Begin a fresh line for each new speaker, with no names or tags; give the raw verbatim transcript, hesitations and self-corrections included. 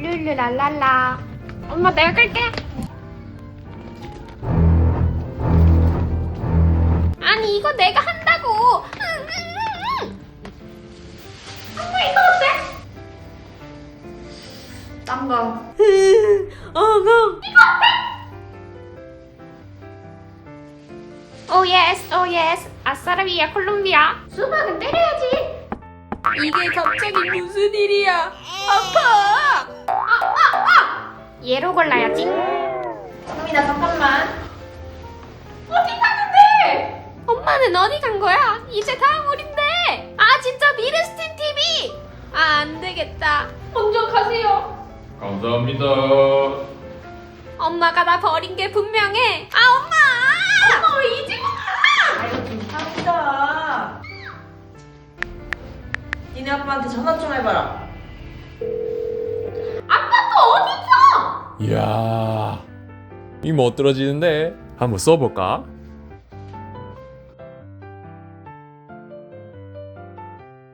룰루랄랄라. 엄마 내가 끌게. 아니 이거 내가 한다고. 엄마 이거 어때? 딴거. 어금. 이거 어때? 오 예스 오 예스. 아싸라비아 콜롬비아. 수박은 때려야지.
이게 갑자기 무슨 일이야? 아파!
얘로 골라야지.
성민아 잠깐만.
어디 가는데? 엄마는 어디 간 거야? 이제 다음 우린데. 아 진짜 미르스틴 티비. 아 안되겠다. 먼저 가세요.
감사합니다.
엄마가 나 버린 게 분명해. 아 엄마! 엄마 왜 이제 가?
아이고 괜찮다. 니네 아빠한테 전화 좀 해봐라.
아빠 또 어디 있어?
이야, 이 못 떨어지는데 한번 써볼까?